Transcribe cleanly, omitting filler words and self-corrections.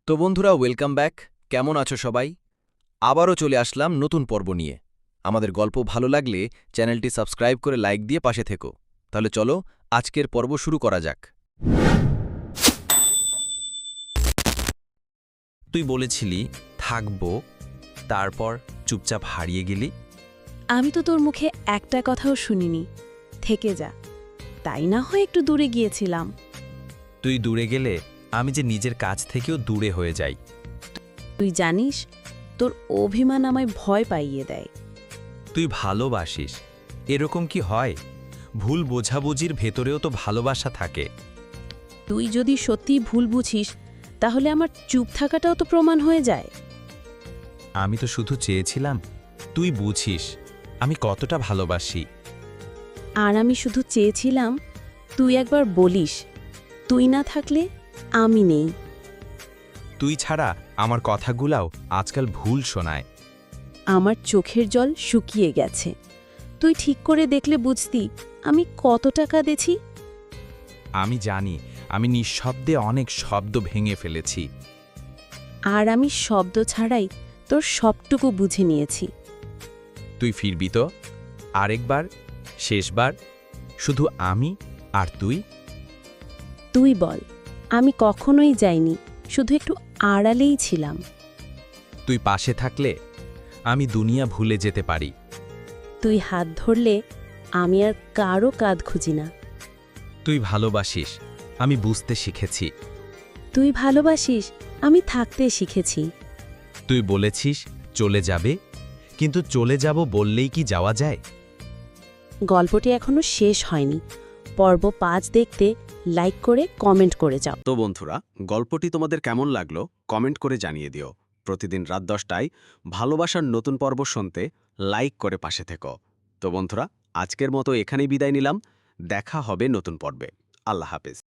তো বন্ধুরা, welcome back. কেমন আছো সবাই? আবারও চলে আসলাম নতুন পর্ব নিয়ে। আমাদের গল্প ভালো লাগলে চ্যানেলটি সাবস্ক্রাইব করে লাইক দিয়ে পাশে থেকো। তাহলে চলো আজকের পর্ব শুরু করা যাক। তুই বলেছিলি থাকবো, তারপর চুপচাপ হারিয়ে গেলি। আমি তো তোর মুখে একটা কথাও শুনিনি, থেকে যা। তাই না হয় একটু দূরে গিয়েছিলাম। তুই দূরে গেলে আমি যে নিজের কাছ থেকেও দূরে হয়ে যাই। তুই জানিস, তোর অভিমান আমায় ভয় পাইয়ে দেয়। তুই ভালোবাসিস, এরকম কি হয়? ভুল বোঝাবুঝির ভেতরেও তো ভালোবাসা থাকে। তুই যদি সত্যি ভুল বুঝিস, তাহলে আমার চুপ থাকাটাও তো প্রমাণ হয়ে যায়। আমি তো শুধু চেয়েছিলাম তুই বুঝিস আমি কতটা ভালোবাসি। আর আমি শুধু চেয়েছিলাম তুই একবার বলিস, তুই না থাকলে আমি নেই। তুই ছাড়া আমার কথাগুলাও আজকাল ভুল শোনায়। আমার চোখের জল শুকিয়ে গেছে। তুই ঠিক করে দেখলে বুঝতি আমি কত টাকা দেছি। আমি জানি আমি নিঃশব্দে অনেক শব্দ ভেঙে ফেলেছি। আর আমি শব্দ ছাড়াই তোর সবটুকু বুঝে নিয়েছি। তুই ফিরবি তো আরেকবার, শেষবার, শুধু আমি আর তুই। তুই বল, আমি কখনোই যাইনি, শুধু একটু আড়ালেই ছিলাম। তুই পাশে থাকলে আমি দুনিয়া ভুলে যেতে পারি। তুই হাত ধরলে আমি আর কারো কাঁধ খুঁজি না। তুই ভালোবাসিস, আমি বুঝতে শিখেছি। তুই ভালোবাসিস, আমি থাকতে শিখেছি। তুই বলেছিস চলে যাবে, কিন্তু চলে যাব বললেই কি যাওয়া যায়? গল্পটি এখনো শেষ হয়নি। পর্ব 5 দেখতে লাইক করে কমেন্ট করে যাও। তো বন্ধুরা, গল্পটি তোমাদের কেমন লাগলো কমেন্ট করে জানিয়ে দিও। প্রতিদিন রাত 10টায় ভালোবাসার নতুন পর্ব শুনতে লাইক করে পাশে থেকো। তো বন্ধুরা, আজকের মতো এখানেই বিদায় নিলাম। দেখা হবে নতুন পর্বে। আল্লাহ হাফেজ।